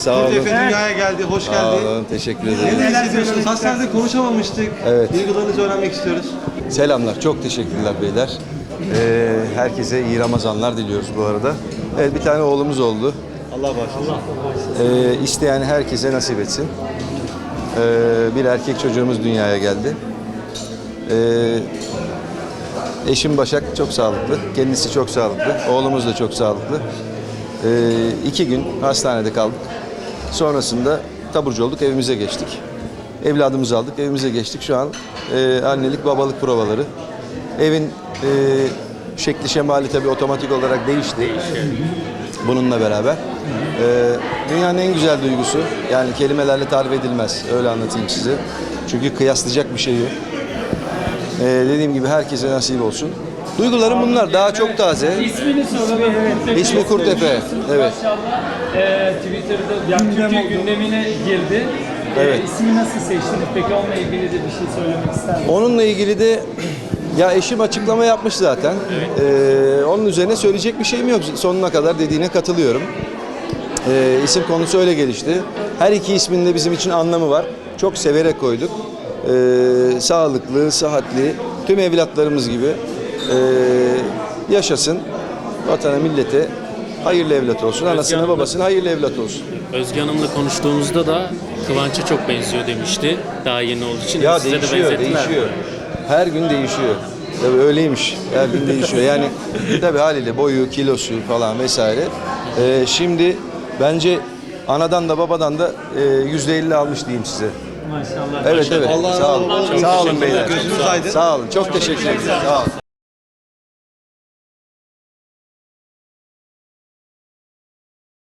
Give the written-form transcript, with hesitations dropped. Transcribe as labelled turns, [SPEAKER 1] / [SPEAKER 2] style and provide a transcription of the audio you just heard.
[SPEAKER 1] Sağ olun.
[SPEAKER 2] Efe dünyaya geldi, hoş
[SPEAKER 1] Sağ
[SPEAKER 2] geldi.
[SPEAKER 1] olun, teşekkür ederim.
[SPEAKER 2] Neler hissediyorsunuz? Hastanede konuşamamıştık.
[SPEAKER 1] Evet.
[SPEAKER 2] Duygularınızı öğrenmek istiyoruz.
[SPEAKER 1] Selamlar, çok teşekkürler beyler. Herkese iyi Ramazanlar diliyoruz bu arada. Evet, bir tane oğlumuz oldu.
[SPEAKER 2] Allah bağışlasın.
[SPEAKER 1] İsteyen herkese nasip etsin. Bir erkek çocuğumuz dünyaya geldi. Eşim Başak çok sağlıklı, kendisi çok sağlıklı, oğlumuz da çok sağlıklı. 2 gün hastanede kaldık. Sonrasında taburcu olduk, evimize geçtik. Evladımızı aldık, evimize geçtik. Şu an annelik, babalık provaları. Evin şekli şemali tabii otomatik olarak değişti. Bununla beraber. Dünyanın en güzel duygusu, yani kelimelerle tarif edilmez, öyle anlatayım size. Çünkü kıyaslayacak bir şey yok. Dediğim gibi herkese nasip olsun. Duygularım bunlar, daha çok taze.
[SPEAKER 3] İsmini soralım. Evet.
[SPEAKER 1] İsmi Kurtepe. Evet.
[SPEAKER 3] Maşallah Twitter'da yani Türkiye gündemine girdi.
[SPEAKER 1] Evet.
[SPEAKER 3] İsmi nasıl seçtiniz? Peki onunla ilgili de bir şey söylemek ister misiniz?
[SPEAKER 1] Onunla ilgili de ya eşim açıklama yapmış zaten. Onun üzerine söyleyecek bir şeyim yok. Sonuna kadar dediğine katılıyorum. İsim konusu öyle gelişti. Her iki ismin de bizim için anlamı var. Çok severek koyduk. Sağlıklı, sıhhatli, tüm evlatlarımız gibi yaşasın. Vatana, millete hayırlı evlat olsun. Anasına, babasına hayırlı evlat olsun.
[SPEAKER 4] Özge Hanım'la konuştuğumuzda da Kıvanç'a çok benziyor demişti. Daha yeni olduğu için.
[SPEAKER 1] Ya
[SPEAKER 4] size de
[SPEAKER 1] değişiyor,
[SPEAKER 4] benzettiler.
[SPEAKER 1] değişiyor. Her gün değişiyor. Tabii öyleymiş. Her gün değişiyor. Yani tabii haliyle boyu, kilosu falan vesaire. Şimdi bence anadan da babadan da %50 almış diyeyim size.
[SPEAKER 3] Maşallah.
[SPEAKER 1] Evet evet.
[SPEAKER 2] Allah
[SPEAKER 1] Sağ olun.
[SPEAKER 2] razı olsun.
[SPEAKER 1] Sağ olun beyler.
[SPEAKER 2] Gözünüz aydın.
[SPEAKER 1] Sağ olun. Çok teşekkür ederim. Sağ olun.